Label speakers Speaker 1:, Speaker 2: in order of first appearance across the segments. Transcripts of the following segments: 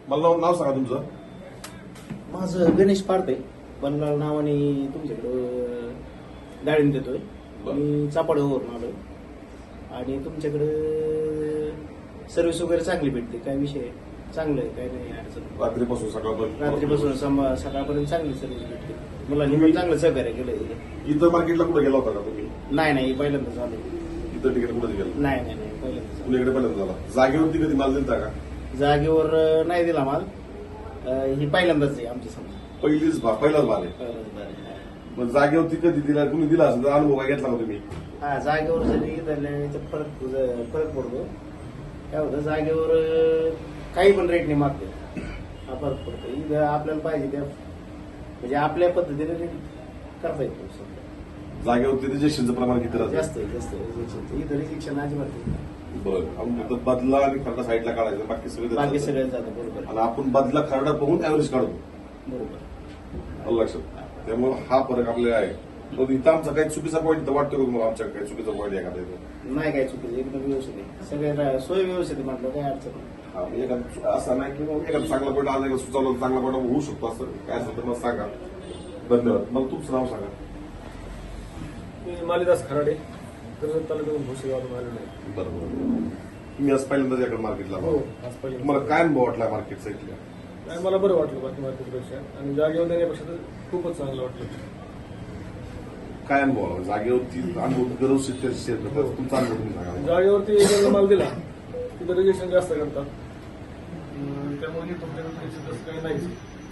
Speaker 1: मला नाव सांगा तुमचं.
Speaker 2: माझं गणेश पारते बनलाल नावाने तुमच्याकडं डाळिंब देतोय. मी चापाडवरून आलोय आणि तुमच्याकडं सर्व्हिस वगैरे चांगली भेटते. काय विषय चांगलं आहे, काय नाही अडचण.
Speaker 1: रात्रीपासून सकाळपर्यंत
Speaker 2: सकाळपर्यंत चांगली सर्व्हिस भेटते. मुलांनी पण चांगलं सहकार्य केलं.
Speaker 1: इथं मार्केटला कुठे गेला होता का तुम्ही?
Speaker 2: नाही पहिल्यांदाच आलो.
Speaker 1: इथं तिकडे कुठे गेला?
Speaker 2: नाही पहिल्यांदाच.
Speaker 1: पुण्याकडे पहिल्यांदा झाला. जागेवरती कधी माल दिलता का?
Speaker 2: जागेवर नाही दिला माल. ही पहिल्यांदाच आहे आमच्या समोर.
Speaker 1: पहिलाच माल आहे. मग जागेवरती कधी दिला? कुणी दिला असेल तर अनुभव काय घेतला का तुम्ही?
Speaker 2: हा, जागेवर जरी धरल्याने फरक पडतो. काय होतं, जागेवर काही पण रेटने मागते, हा फरक पडतो. इथं आपल्याला पाहिजे त्या म्हणजे आपल्या पद्धतीने करता येतो.
Speaker 1: जागेवरती रिजेक्शनचं प्रमाण किती राहतं?
Speaker 2: जास्त रिजेक्शन. इथं रिजेक्शन अजिबात नाही.
Speaker 1: बरं, बदला आणि खरडा साईडला काढायचा, बाकी
Speaker 2: सगळं जातं. बरोबर.
Speaker 1: आणि आपण बदला खरडा बघून ऍव्हरेज काढतो.
Speaker 2: बरोबर.
Speaker 1: लक्षात. त्यामुळे हा फरक आपल्याला आहे. मग इथं आमचा काही चुकीचा पॉईंट वाटतो का तुम्हाला? आमच्या काही चुकीचा पॉईंट एखादा इथं
Speaker 2: नाही, काय चुकीचं, एकदम व्यवस्थित आहे. सगळ्या सोय व्यवस्थित आहे म्हटलं, काही अडचण नाही.
Speaker 1: हा, एखादा असं नाही की एखादा चांगला पॉईंट आज एखादा सुचवला चांगला पॉईंट होऊ शकतो. असं काय असेल तर मग सांगा. धन्यवाद. मग तुमचं नाव सांगा.
Speaker 3: मी मालिदास खराडे, कर्जत तालुक्यातून भोसेगावरून आलेलो आहे.
Speaker 1: बरोबर. तुम्ही आज पहिल्यांदाच याकडे मार्केटला
Speaker 3: हो, आज पहिल्यांदा.
Speaker 1: तुम्हाला काय अनुभव वाटला मार्केटचा इथल्या?
Speaker 3: आणि मला बरं वाटलं बाकी मार्केटपेक्षा, आणि जागेवर देण्यापेक्षा तर खूपच चांगलं वाटलं.
Speaker 1: काय अनुभव आला? जागेवरती अनुभव गरज शेअर करतात. तुमचा अनुभव तुम्ही सांगा.
Speaker 3: जागेवरती एकदा माल दिला तिथं रिजेक्शन जास्त करतात. त्यामुळे तुमच्याकडे तसं काही नाहीच.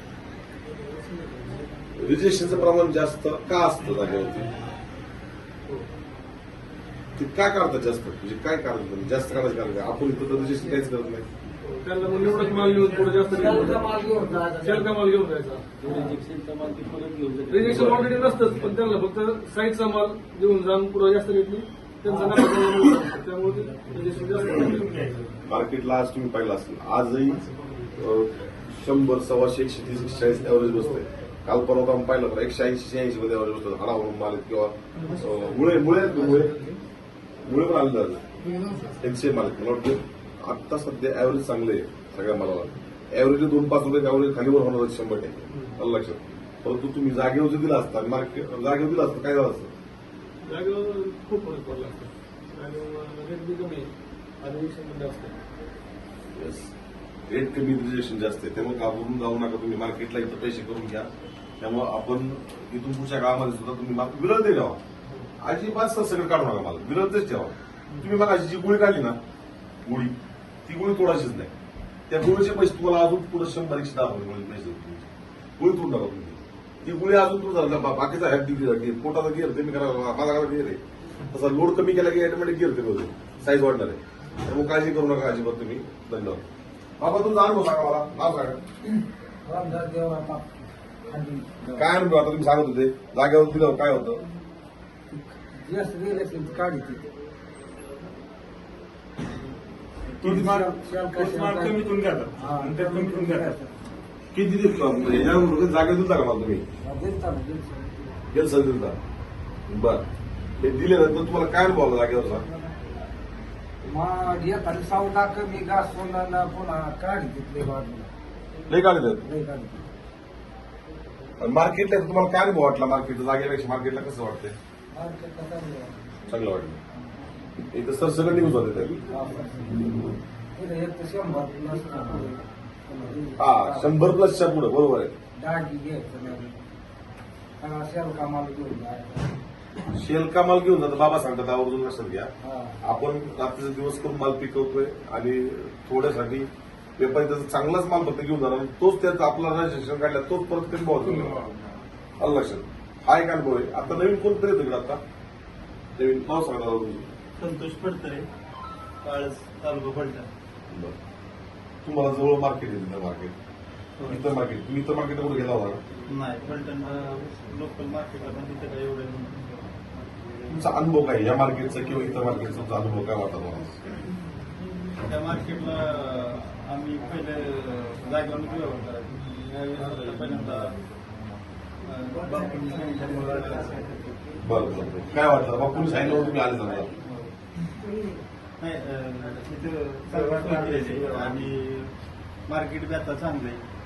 Speaker 1: रिजेक्शनचं प्रमाण जास्त का असतं जागेवरती? ते काय करतात जास्त? म्हणजे काय कारण जास्त करायचं कारण काय? आपण इथं तर रिजेक्शन काहीच करत नाही.
Speaker 3: त्यांना मग निवडक माल घेऊन थोडं जास्त शेलका माल घेऊन जायचा. रिजेक्शन ऑलरेडी नसतंच, पण त्यांना फक्त साईडचा माल घेऊन जाऊन पुढे जास्त घेतली त्यांचा नफा. त्यामुळे रिजेक्शन जास्त.
Speaker 1: मार्केटला आज तुम्ही पाहिलं असेल, आजही 100, 125, 130, 140 एव्हरेज बसतंय. काल परवा आपण पाहिलं तर 180, 180 मध्ये एव्हरेज बसतात. हाडावरून माल किंवा मुळे पण आले जातात. एनसीए माल मला वाटतं आता सध्या ऍव्हरेज चांगले आहे सगळ्या मालाला. ऍव्हरेज 2-5 रुपये ऍव्हरेज खालीवर होणार 100%. लक्षात. परंतु तुम्ही जागेवर जर दिला असता, मार्केट जागेवर दिला असता काय झालं असतं?
Speaker 3: जागेवर खूप फरक पडला असतो. रेट बी कमी आणि रिजेक्शन जास्त आहे.
Speaker 1: रेट कमी, रिजेक्शन जास्त आहे. त्यामुळे घाबरून जाऊ नका. तुम्ही मार्केटला इथं पैसे करून घ्या. त्यामुळे आपण इथून पुढच्या काळामध्ये सुद्धा तुम्ही विरळ दे ठेवा. अजिबात सगळं काढू नका. मला विरळच ठेवा. तुम्ही मला जी गोळी काढली ना, गोळी, ती गोळी तोडायचीच नाही. त्या गोळीचे पैसे तुम्हाला अजून पुढे 100-110 गोळी पैसे गोळी तोडून टाका तुम्ही. ती गोळी अजून तुमचा बाकीचा हॅड पोटाचा गिअर ते मी करा, माझा गिअर आहे तसा लोड कमी केला की ऑटोमॅटिक गिअर ते होते, साईज वाढणार आहे. त्यामुळे काळजी करू नका अजिबात तुम्ही. धन्यवाद. बाबा तुमचा अनुभव सांगा, मला नाव सांगा. काय अनुभव आता तुम्ही सांगत होते जागेवर दिलं काय होतं?
Speaker 4: कमीतून घेतात.
Speaker 1: किती जागेवर दिलता का मला तुम्ही? गेल सर दिलता. बर, हे दिल्यानंतर तुम्हाला काय अनुभव आला जागेवरचा?
Speaker 5: मग येताना सावटा कमी घास पुन्हा काढ घेतले बाजूला
Speaker 1: लय काढले. मार्केटला तुम्हाला काय अनुभव वाटला? मार्केटच्या जागेपेक्षा मार्केटला कसं वाटतंय? चांगलं वाटलं. इथं सर सगळं न्यूज होते. हा, 100+च्या पुढे बरोबर आहे.
Speaker 5: डागी घ्यायचं शेलका माल घेऊन
Speaker 1: शेलका माल घेऊन जातो बाबा सांगतात, आवर्जून लक्षात घ्या. आपण रात्रीचा दिवस करून माल पिकवतोय आणि थोड्यासाठी व्यापारी त्याचा चांगलाच माल फक्त घेऊन जाणार, तोच त्याचा आपला रजिस्ट्रेशन काढला तोच परत कमी भाव लक्षात. हा एक अनुभव आहे. आता नवीन कोणतरी येतो आता नवीन नाव सांगा.
Speaker 4: संतोष पडतरे, काळज, तालुका पलटण.
Speaker 1: तुम्हाला जवळ मार्केट आहे. मार्केट इतर मार्केट तुम्ही इतर मार्केटला कुठे गेला होता?
Speaker 4: नाही, पलटण लोकल मार्केटला पण तिथे काय एवढं.
Speaker 1: तुमचा अनुभव काय या मार्केटचा किंवा इतर मार्केटचा तुमचा अनुभव काय वाटत मला?
Speaker 4: त्या मार्केटला आम्ही पहिले जागेवर व्यवहार करायचो. पहिल्यांदा
Speaker 1: बरं काय वाटतं बापूंनी सांगितलं तुम्ही आले समजा?
Speaker 4: नाही, तिथं सर्वात आणि मार्केट बी आता चांगलं आहे.